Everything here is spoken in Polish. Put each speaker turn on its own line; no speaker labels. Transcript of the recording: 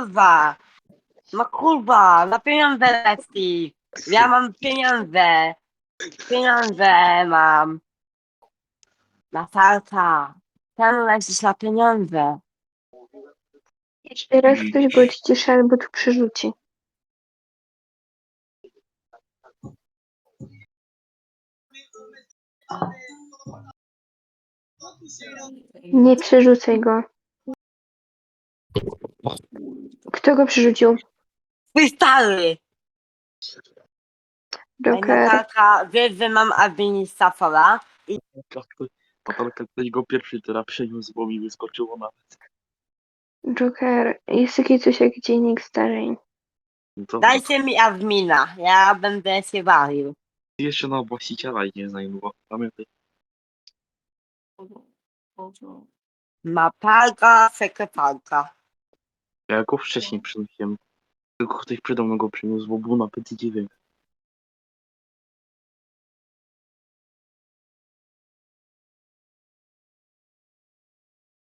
kurwa. No kurwa, na pieniądze leci. Ja mam pieniądze. Pieniądze mam. Na farta. Ten lecisz na pieniądze.
Teraz ktoś go odciszy albo tu przerzuci. Nie przerzucaj go. Kto go przerzucił?
Twój stary. Ej,
Joker.
Natalka, wiesz, że mam administratora?
Natalka ktoś go pierwszy teraz przeniósł, bo mi wyskoczyło nawet.
Joker. Jest takie coś jak dziennik zdarzeń.
No to
Dajcie mi admina, ja będę się bawił.
jeszcze na właściciela i nie znajdował. Pamiętaj.
Mapalka, sekretarka.
Ja go wcześniej przynosiłem. Tylko ktoś przede mną go przyniósł, bo był na PC9.